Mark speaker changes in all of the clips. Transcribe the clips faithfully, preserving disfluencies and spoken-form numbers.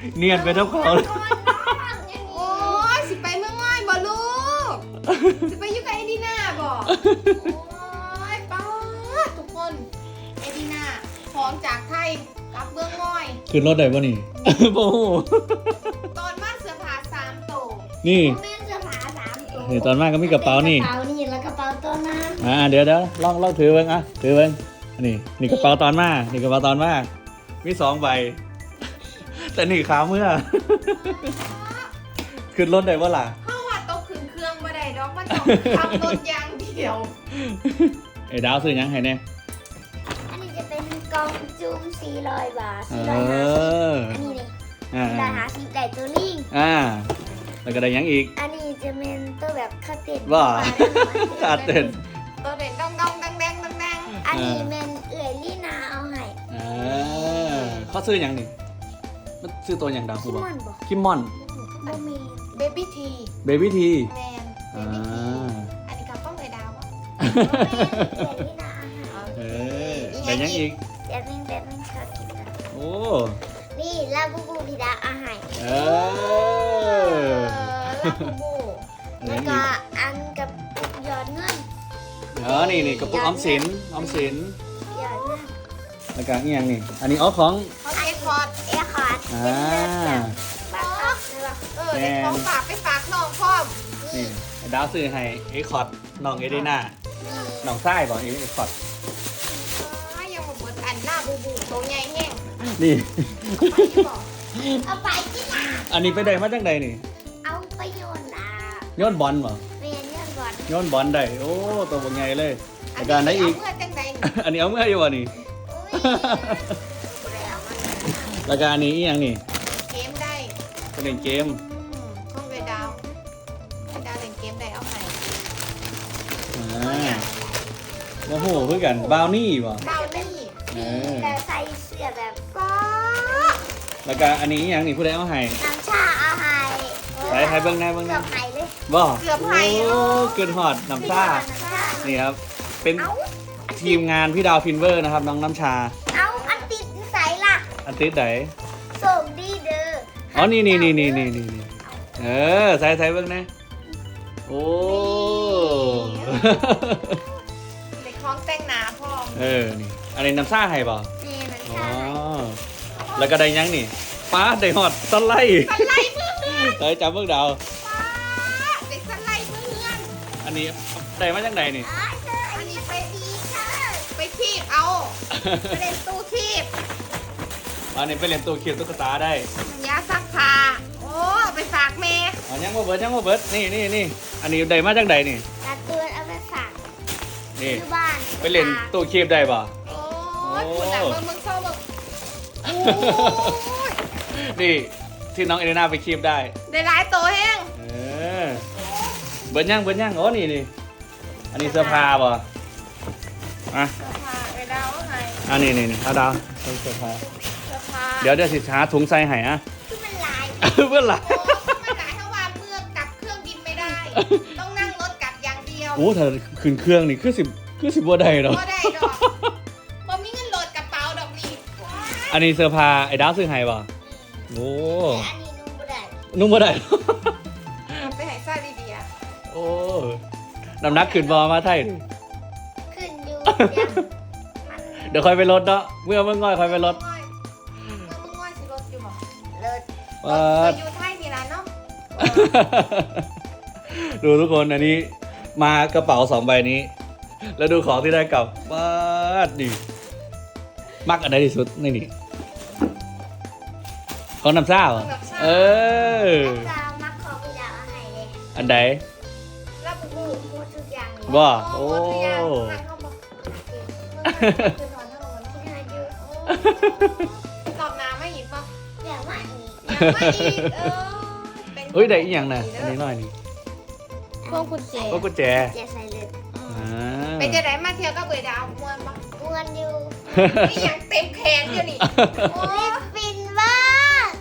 Speaker 1: เนียนไปทั้งเขาเลย
Speaker 2: โอ้ยสิไปเมืองง่อยบ่ลูกสิไปอยู่กับเอดีน่าบ่โอ้ยป้าทุกคนเอดีน่าพร้อมจากไทยกลับเมืองง่อย
Speaker 1: ขึ้นรถได้ป่ะนี่โอ้โห
Speaker 2: ตอนมาเสื้อผ้าสามโต
Speaker 1: นี่
Speaker 3: แม่เสื้อผ้าสามตัว
Speaker 1: นี่ตอนมากก็มีกระเป๋านี่
Speaker 3: กระเป๋านี่แล้วกระเป๋าตัวนั้น
Speaker 1: อ่าเดี๋ยวเดี๋ยวลองลองถือเบิ้งอ่ะถือเบิ้งนี่นี่กระเป๋าตอนมานี่กระเป๋าตอนมามีสองใบ แต่นี่ขาเมื่อ ขึ้นรถได้ป่ะล่ะ
Speaker 2: เพราะว่าโตขึ้นเครื่องบ่ได้ดอกมันต้องขับรถอย่างเดียว
Speaker 1: ไอ้ดาวซื้อหยังให้แน่
Speaker 3: อันนี้จะเป็นกล่องจุ่มสี่ร้อยบาท
Speaker 1: เอ
Speaker 3: สี่ร้อยห้าสิบ
Speaker 1: อ
Speaker 3: อันนี้เลย
Speaker 1: อ่า
Speaker 3: สี่ร้อยห้าสิบได้ตัวลิง
Speaker 1: อ่าแล้วก็ได้หยังอีก
Speaker 3: อันนี้จะเป็นตัวแบบคาเต็น
Speaker 1: ว่า
Speaker 3: ได้หน่อย
Speaker 1: ขาดเต้น
Speaker 2: ตัวเด่นดองดองดังแดงดังแดง
Speaker 3: อันนี้เป็นเอื่อยลี่นาเอาให้
Speaker 1: อ่าเขาซื้อหยังนี่มันซื้อตัวอย่างดาว
Speaker 3: คิ
Speaker 1: คูบอก
Speaker 3: มอนบอก
Speaker 1: คิมมอน
Speaker 3: บ่มี
Speaker 2: เบบี้ที
Speaker 1: เบบี้ที
Speaker 2: แมนเบ
Speaker 1: อ่า
Speaker 2: บี้ทีอันนี้กับต้องเลยดาววะ
Speaker 3: เอื่อยลี่นาเอาให้
Speaker 1: เออได้หยังอีก
Speaker 3: เดี๋ยวนึงเดี๋ยวนึงชอบกินนะ
Speaker 1: โอ้
Speaker 3: นี่ลาบูบูพิดาเอาให้
Speaker 1: เอ
Speaker 2: เอ
Speaker 1: อ
Speaker 2: อลาบูบู
Speaker 1: ได้ห
Speaker 3: แล้ว
Speaker 1: ยัง
Speaker 3: ก็
Speaker 1: อีก
Speaker 3: อันกับปุกหยอดเงิน
Speaker 1: อ๋อนี่นี่กระปุกออมสินออมสิน
Speaker 3: หยอดเงิน
Speaker 1: แล้วก็อีกอย่างนี่อันนี้อ๋อของ
Speaker 2: เขาเอ็กพอร์ต
Speaker 3: เอคอร์ด
Speaker 1: อ่า
Speaker 3: บัตรครับใช่ปะ
Speaker 2: เออเด็กของฝากไปฝากน้องพร้อม
Speaker 1: นี่ไอ้ดาวซื้อให้เอ็กคอร์ดน้องเอเดน่าน้องไส้บอกเอ็กคอร์ด
Speaker 2: อ้ายังมาเบิดอันลาบูบูตัวใหญ่แห้ง
Speaker 1: นี่
Speaker 2: ไปที่บอก
Speaker 3: เอาไปที่ไหน
Speaker 1: อันนี้ไปได้มาจากใดนี่
Speaker 3: เอาไปโยนอ่ะ
Speaker 1: ย้อนบอลบ่
Speaker 3: เรียนเรื่องก่อน
Speaker 1: ย้อนบอลได้โอ้ตัวบ่ใหญ่เลยแล้วก็อันไหนอีก
Speaker 2: เมื่อจังใด
Speaker 1: อันนี้เอาเมื่ออยู่วะนี่
Speaker 3: อุ้ยแล้วมัน
Speaker 1: แล้วก็อันนี้อีกอย่างนี่
Speaker 2: เกมได้
Speaker 1: เป็นเล่นเกม
Speaker 2: อืมต้องเลยดาวเลยดาวเล่นเกมได้เอาไหน
Speaker 1: อ่าโอ้โหเพื่อกันบาวนี่บ่
Speaker 2: ดาวนี่
Speaker 1: เออ
Speaker 3: แต่ใส่เสื้อแบบ
Speaker 2: ป้า
Speaker 1: แล้วก็อันนี้อีกอย่างนี่ผู้ใดเอาให้
Speaker 3: น้ำชาเอาให้
Speaker 1: ใส่ให้เบิ่งหน้าเบิ่งห
Speaker 3: เกื
Speaker 1: น้า
Speaker 3: อบไหเลย
Speaker 1: บ่
Speaker 2: เกือบไผ่
Speaker 1: โอ้เกินฮอดน้ำชา
Speaker 3: น้ำชา
Speaker 1: นี่ครับ เป็น
Speaker 3: เอา
Speaker 1: ทีมงานพี่ดาวฟินเวอร์นะครับน้องน้ำชา
Speaker 3: เอาอันติดใส่ล่ะ
Speaker 1: อันติดไหน
Speaker 3: ส่งดีเด้อ
Speaker 1: อ๋อ นี่นี่นี่นี่นี่นี่นี่เออ ใส่ใส่เบิ่งนะโอ้
Speaker 2: เด็กคล้องแต่งหนาพร้อม
Speaker 1: เออ นี่ อันนี้น้ำซ่าให้ป่ะ
Speaker 3: นี่น้ำ
Speaker 1: อ๋อ
Speaker 3: ชาให้
Speaker 1: แล้วก็ได้ยังนี่ป้าได้ฮอดสไลด์
Speaker 2: สไลด์เพื่อน
Speaker 1: เฮ้ยจับเบิ่งดาว
Speaker 2: ป้าเด็กสไลด์เพื่อน
Speaker 1: อันนี้ได้มาจากไหนนี่
Speaker 3: อ๋อเธออันนี้ไปดีเธอ
Speaker 2: ไปทีบเอาไปเล่นตู้ทีบ
Speaker 1: อันนี้ไปเล่นตัวเขียนตุ๊กตาได้
Speaker 2: มันยาซักผ้าโอ้ไปฝากแม่
Speaker 1: อ๋อยังมาเบิดยังมาเบิดนี่นี่นี่อันนี้ได้มาจากไหนนี่
Speaker 3: การ์ตูนเอาไปฝาก
Speaker 1: นี่
Speaker 3: ที่บ้าน
Speaker 1: ไปเล่นตัวเขียนได้ป่ะ
Speaker 2: โอ้ยคุณหนังเมืองเมืองเศร้าเมืองโอ้ย
Speaker 1: นี่ที่น้องเอเลน่าไปคีบได้
Speaker 2: ได้หลายตัวแห้ง
Speaker 1: เออ เบิร์นย่างเบิร์นย่างโอ้นี่นี่ อันนี้เสื้อผ้าป่ะอ่ะ
Speaker 2: เสื้อผ้าไปดาวให้
Speaker 1: อันนี้นี่นี่เอาดาวเสื้อผ้า
Speaker 2: เสื้อผ้า
Speaker 1: เดี๋ยวเดี๋ยวสิช้าถุงใส่ให้อ่ะ
Speaker 3: คือมันลาย
Speaker 1: เพื่อนหลัก
Speaker 2: โอ้ไม่หลายเท่าว่าเมื่อกลับเครื่องบินไม่ได้ ต้องนั่งรถกลับอย่างเดียว
Speaker 1: โอ้ถ้าขึ้นเครื่องนี่คือสิบคือสิบบัวได้หรอ
Speaker 2: ก็ได้ดอกบ่มีเงินโหลดกระเป๋าดอกนี่
Speaker 1: อันนี้เสื้อผ้าไอ้ดาวซื้อให้ป่ะโอ้
Speaker 3: แต่อันนี้นุ่มบ่ได้
Speaker 1: นุ่มบัวได้
Speaker 2: ไปให้ซ่าดีๆอ่ะ
Speaker 1: โอ้น้ำหนักขึ้นบอมาไทย
Speaker 3: ขึ้นอยู่เดี๋ยวมัน
Speaker 1: เดี๋ยวค่อยไปลดเนาะเมื่อเมื่อง่อยค่อยไปลด
Speaker 2: เมื่อมึงง่อยสิรถอยู่บ่
Speaker 3: เลิศ
Speaker 1: ว้า
Speaker 2: เรา
Speaker 1: ด
Speaker 2: อยู่ไทยนี่ล่ะเนาะ
Speaker 1: ดูทุกคนอันนี้มากระเป๋าสองใบนี้ แล้วดูของที่ได้กลับว้าดดิมักอันไหนที่สุดนี่นี่ของน้ำซ่าเหรอเออ
Speaker 3: แล้วจะมาขอพี่ดาวเอาให้เลย
Speaker 1: อันใด
Speaker 2: แล้วบุ
Speaker 3: พู
Speaker 2: บู
Speaker 3: ดพูดทุกอย่างเลย
Speaker 1: บ่
Speaker 2: โอ้
Speaker 1: โอ้
Speaker 2: ทุกอย่างทางเข้าบ่คือนอนเท่าวัน
Speaker 3: ที่ไหนอยู่
Speaker 2: รอบน้ำไม่หิบป่ะ
Speaker 3: เดี๋ยวมาอีก
Speaker 2: ยังไม่อีกเออป็น
Speaker 1: เฮ้ยได้อีกอย่างนะอันนี้หน่อยนี่
Speaker 2: พวงกุญแจ
Speaker 1: ก็กุญแจ
Speaker 3: จะใส่เลย
Speaker 1: อ่า
Speaker 2: เป็นจะได้มาเที่ยวก็เบื่อดาวมวนป่ะ
Speaker 3: อ้วนอยู่
Speaker 2: นี่ยังเต็มแขนอยู่นี่โอ้
Speaker 3: ลิปปินบ้าง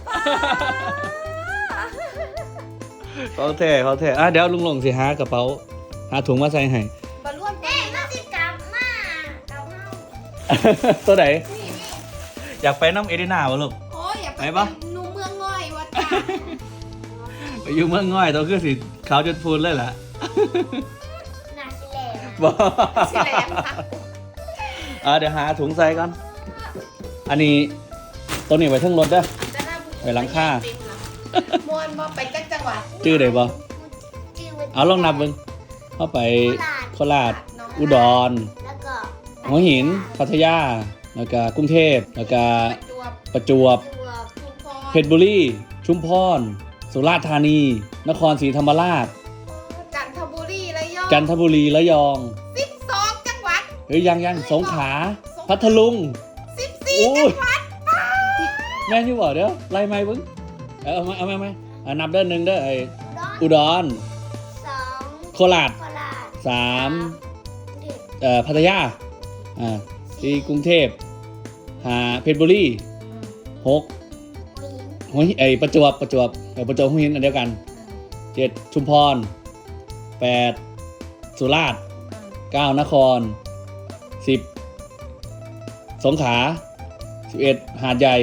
Speaker 1: เขาแท้เขาแท้อ่ะเดี๋ยวลุงหลงสิหากระเป๋าหาถุงมาใส่ให้
Speaker 2: บอลร่วม
Speaker 3: เด้มาสิกลับมากับเฮา
Speaker 1: ตัวไหน
Speaker 2: นี่
Speaker 1: อยากไปน้ำเอเดนาบ่ลูก
Speaker 2: โอ้ยอย่าไป
Speaker 1: ไหนปะ
Speaker 2: หนูเมืองง่อย
Speaker 1: ไปอยู่เมืองง่อยตัวคือสิขาวจนพูนเลยล่ะ
Speaker 3: หนาสิแหลม
Speaker 1: บอ
Speaker 2: สิแหลมค่ะ
Speaker 1: อ่าเดี๋ยวหาถุงใส่ก่อนอันนี้ตัวนี้ไว้เทั้งรถเด้อ
Speaker 2: จะน่าบุญ
Speaker 1: ไปหลังคา
Speaker 2: มวนบ่ไปจักจังหวัด
Speaker 1: ชื่อได้บ่
Speaker 3: ชื่อว่า
Speaker 1: เอาลองนับเบิ่งเข้าไปโคราชอุดร
Speaker 3: แล้วก็
Speaker 1: หัวหินพัทยาแล้วก็กรุงเทพแล้วก็
Speaker 2: ประจวบ
Speaker 1: ประจวบ
Speaker 3: ตัว
Speaker 2: ชุมพร
Speaker 1: เพชรบุรีชุมพรสุราษฎร์ธานี นครศรีธรรมราช
Speaker 2: จันทบุรีระยอง
Speaker 1: จันทบุรีระยอง
Speaker 2: สิบสองจังหวัด
Speaker 1: เฮ้ยยังยังสงขลาพัทลุง
Speaker 2: สิบสี่
Speaker 1: โอ้
Speaker 2: จั
Speaker 1: ย
Speaker 2: งหวัด
Speaker 1: แม่นอยู่บ่เด้อไล่ไม่เบิ่งเอาเอามาเอามาไหมอ่ะนับเด้อหนึ่งเด้อไออุดร
Speaker 3: สอง
Speaker 1: โคราช
Speaker 3: โคราช
Speaker 1: สาม
Speaker 3: เด็ก
Speaker 1: เอ่อพัทยาอ่าสี่กรุงเทพห้าเพชรบุรีหก
Speaker 3: หัวหิน
Speaker 1: หัวหินไอประจวบประจวบเออประจวบหัวหินอันเดียวกันเจ็ดชุมพรแปดสุราษฎร์เก้านครสิบสงขลาสิบเอ็ดหาดใหญ่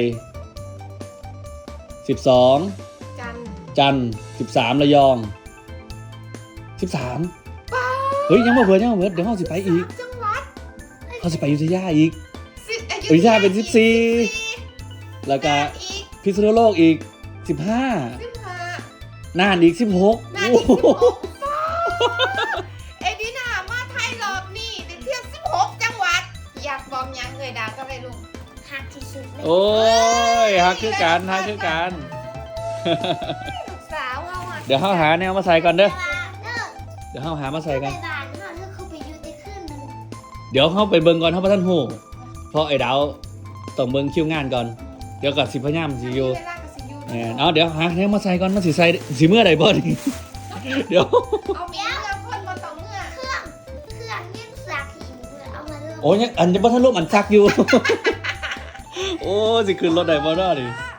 Speaker 1: สิบสอง
Speaker 2: จันทร์
Speaker 1: จันทร์สิบสามระยองสิบสาม
Speaker 2: ป้า
Speaker 1: เฮ้ยยังมาเบิดยังมาเบิดเดี๋ยวเขาสิไปอีก
Speaker 2: จังหวัด
Speaker 1: เขาสิไปอยุธยาอีก
Speaker 2: สิบ
Speaker 1: อยุธยาเป็นสิบสี่ แล้วก็
Speaker 2: อีก
Speaker 1: พิษณุโลกอีกสิบห้า
Speaker 2: สิบห้า
Speaker 1: น่านอีกสิบหก
Speaker 2: นาทีสิบหกเอดีนามาไทยรอบนี้ได้เที่ยวสิบหกจังหวัด อยากบอมยังเลยดาวก็ไปลุง
Speaker 3: หักที่สุดเลย
Speaker 1: โอ้ยฮักคือกันฮักคือกัน
Speaker 2: ลูกสาวเอาอ่ะ
Speaker 1: เดี๋ยวเขาหาแนวมาใส่ก่อนเด้อ
Speaker 3: แต่ว่าเลิก
Speaker 1: เดี๋ยวเขาหามาใส่
Speaker 3: ไป
Speaker 1: กัน
Speaker 3: บ้านเขาเลิกเขาไปอยู่ที่ขึ้นหนึ่ง
Speaker 1: เดี๋ยวเขาไปเบิ่งก่อนเขาพระท่านหูเพราะไอ้ดาวต้องเบิ่งคิวงานก่อน เดี๋ยวกับสิพยายามสิอยู่
Speaker 2: เวลากับสิยู
Speaker 1: แหมเอาเดี๋ยวหาแนวมาใส่ก่อนมาสิใส่สิเมื่อใดบ่นี่ เดี๋ยว
Speaker 2: เอาเมียเมื่อคนมาต่อเมื่อ
Speaker 3: เครื่องเครื่องยังสักหินเลยเอามาเริ่ม
Speaker 1: โอ้ยยังอันจะบ่ทันร่วมอันซักอยู่ โอ้สิขึ้นรถได้บ่เนาะนี่
Speaker 2: ป้า